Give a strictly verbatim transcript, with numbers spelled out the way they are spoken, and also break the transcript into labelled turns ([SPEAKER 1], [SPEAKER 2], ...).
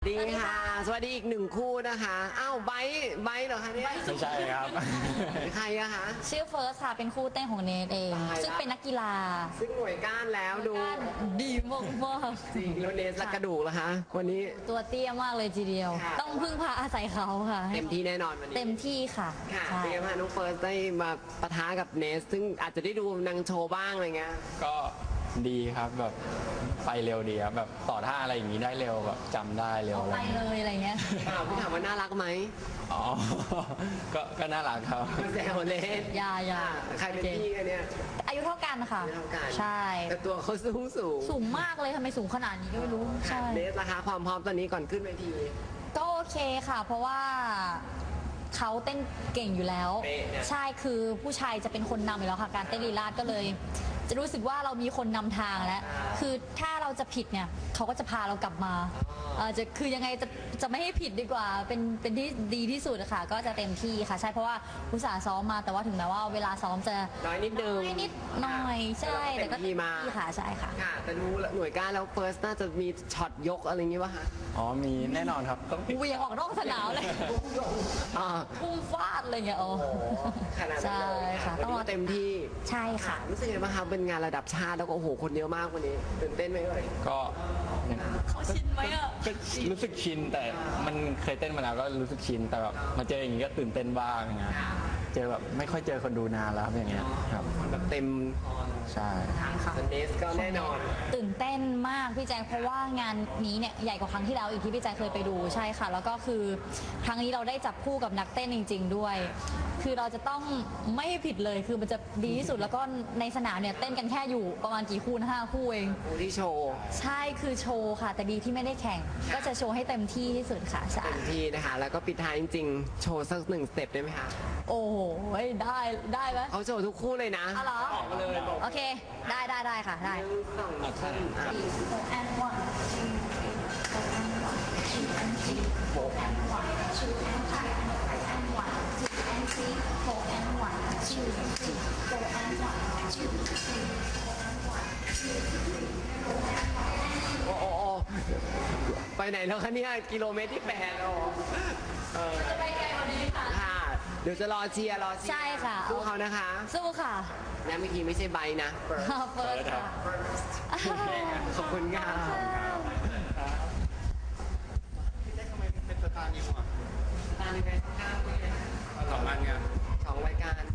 [SPEAKER 1] ดีค่ะสวัสดีอีกหนึ่งคู่นะคะอ้าวไบร์ทไบร์ทเหรอคะเนี่ย
[SPEAKER 2] ไม่ใช่ครับ
[SPEAKER 1] ใครอะคะ
[SPEAKER 3] ชื่อเฟิร์สค่ะเป็นคู่เต้นของเนทเอง
[SPEAKER 1] ตายละ
[SPEAKER 3] ซึ่งเป็นนักกีฬา
[SPEAKER 1] ซึ่งหน่วยก้านแล้วดู
[SPEAKER 3] ดีมากมาก
[SPEAKER 1] จริงแล้วเนสละกระดูกเหรอคะวันนี้
[SPEAKER 3] ตัวเตี้ยมากเลยทีเดียว
[SPEAKER 1] ค่ะ
[SPEAKER 3] ต้องพึ่งพาอาศัยเขาค่ะ
[SPEAKER 1] เต็มที่แน่นอนวันนี้
[SPEAKER 3] เต็มที่ค่ะ
[SPEAKER 1] ค่ะ
[SPEAKER 3] ใช่
[SPEAKER 1] เป็นไงบ้างน้องเฟิร์สได้มาปะทะกับเนส ซึ่งอาจจะได้ดูนางโชว์บ้างอะไรเงี้ย
[SPEAKER 2] ก็ดีครับแบบไปเร็วดีครับแบบต่อท่าอะไรอย่างนี้ได้เร็วแบบจำได้เร็ว
[SPEAKER 3] เอา
[SPEAKER 2] อะไร
[SPEAKER 3] ไป
[SPEAKER 2] อย่าง
[SPEAKER 3] เล
[SPEAKER 2] นี้
[SPEAKER 3] ยอะไรเงี้ย
[SPEAKER 1] อ้าวพี่ถามว่าน่ารักไหม
[SPEAKER 2] อ๋อ ก็ก็น่ารักครับ
[SPEAKER 1] แซวเล่น
[SPEAKER 3] อย่าอย่า
[SPEAKER 1] ค่ะใครเป็นพี่กันเนี่ย
[SPEAKER 3] อายุเท่ากันค่ะ
[SPEAKER 1] อายุเท่ากัน
[SPEAKER 3] ใช่
[SPEAKER 1] แต่ตัวเขาสูงสูง
[SPEAKER 3] สูงมากเลยทำไมสูงขนาดนี้ก็ไม่รู้ใช่
[SPEAKER 1] เนสราคาความพร้อมตอนนี้ก่อนขึ้นเวที
[SPEAKER 3] ก็โอเคค่ะ เพราะว่าเขาเต้นเก่งอยู่แล้ว
[SPEAKER 1] เป๊ะเนี่ย
[SPEAKER 3] ใช่คือผู้ชายจะเป็นคนนำอยู่แล้วค่ะ การเต้นลีลาดก็เลย จะรู้สึกว่าเรามีคนนำทางแล้ว คือถ้าเราจะผิดเนี่ยเขาก็จะพาเรากลับมาเอ่อจะคือยังไงจะจะไม่ให้ผิดดีกว่า เป็นเป็นที่ดีที่สุดอะค่ะ ก็จะเต็มที่ค่ะ ใช่เพราะว่าอุตส่าห์ซ้อมมาแต่ว่าถึงแม้ว่าเวลาซ้อมจะ
[SPEAKER 1] น้อยนิดนึง
[SPEAKER 3] น้อยนิดหน่อยใช่
[SPEAKER 1] แต่
[SPEAKER 3] แต่
[SPEAKER 1] ก็
[SPEAKER 3] ก็
[SPEAKER 1] เต็มที่มา
[SPEAKER 3] ค่ะใช่ค่ะ
[SPEAKER 1] ค่ะแต่ดูหน่วยก้านแล้วเฟิร์สน่าจะมีช็อตยกอะไรอย่างงี้ป่ะคะ
[SPEAKER 2] อ๋อมีแน่นอนครับต้อง
[SPEAKER 3] เหวียงออกนอกสนามเลย
[SPEAKER 1] อ่า
[SPEAKER 3] พุ่งฟาดอะไรเงี้ยโอ้
[SPEAKER 1] ขนาดนั้น
[SPEAKER 3] ใช่
[SPEAKER 1] เลย
[SPEAKER 3] ค่ะ
[SPEAKER 1] วันนี้
[SPEAKER 3] รอ
[SPEAKER 1] เต็มที่
[SPEAKER 3] ใช่ค่ะ
[SPEAKER 1] รู้สึกยังไงบ้างคะเป็นงานระดับชาติแล้วก็โอ้โหคนเยอะมากวันนี้ตื่นเต้นไหมเอ่ย
[SPEAKER 2] ก็
[SPEAKER 3] เขาชินไหมอะ
[SPEAKER 2] ก็รู้สึกชินแต่มันเคยเต้นมาแล้วก็รู้สึกชินแต่แบบมาเจออย่างนี้ก็ตื่นเต้นบ้างนะเจอแบบไม่ค่อยเจอคนดูนานแล้วครับอย่างเงี้ยครับ
[SPEAKER 1] แบบเต็ม
[SPEAKER 2] ใช่
[SPEAKER 1] สเนสก็แน่นอน
[SPEAKER 3] ตื่นเต้นมากพี่แจ๊คเพราะว่างานนี้เนี่ยใหญ่กว่าครั้งที่แล้วอีกที่พี่แจ๊คเคยไปดูใช่ค่ะ แล้วก็คือครั้งนี้เราได้จับคู่กับนักเต้นจริง ๆ ด้วย คือเราจะต้องไม่ให้ผิดเลยคือมันจะดีที่สุดแล้วก็ในสนามเนี่ยเต้นกันแค่อยู่ประมาณกี่คู่นะห้าคู่เอง
[SPEAKER 1] คู่ที่โชว์
[SPEAKER 3] ใช่คือโชว์ค่ะ แต่ดีที่ไม่ได้แข่ง ก็จะโชว์ให้เต็มที่ที่สุดค่ะใช่
[SPEAKER 1] เต็มที่นะคะ แล้วก็ปิดท้ายจริงๆ โชว์สักหนึ่งสเต็ปได้ไหมคะ
[SPEAKER 3] โอ้โหได้ได้ไหม
[SPEAKER 1] เขาโชว์ทุกคู่เลยนะ
[SPEAKER 3] อ๋อเหรอ
[SPEAKER 1] บอกมาเลยบอก
[SPEAKER 3] โอเค ได้ได้ได้ค่ะได้
[SPEAKER 1] หนึ่งสองสามอ่ะ
[SPEAKER 3] and one two three four and one two and three four and one two and three and one two and three four and one two and three four and one two three four and one two three four and one
[SPEAKER 1] โอ้โอ้โอ้ไปไหนแล้วคะเนี่ยกิโลเมตรที่แปดโอ้เออ
[SPEAKER 3] จะไปไกลกว่านี้ค่ะ
[SPEAKER 1] ค่ะ เดี๋ยวจะรอเชียร์รอเชียร์
[SPEAKER 3] ใช่ค่ะ
[SPEAKER 1] สู้เขานะคะ
[SPEAKER 3] สู้ค่ะ
[SPEAKER 1] และเมื่อกี้ไม่ใช่ใบนะ
[SPEAKER 3] เฟิร์สค่ะ
[SPEAKER 1] ขอบคุณค่ะ
[SPEAKER 2] ทำไมเป็นสตาร์นิวอ่ะ
[SPEAKER 1] ตามยังไงข้าว
[SPEAKER 2] สองอันไง
[SPEAKER 1] สองรายการ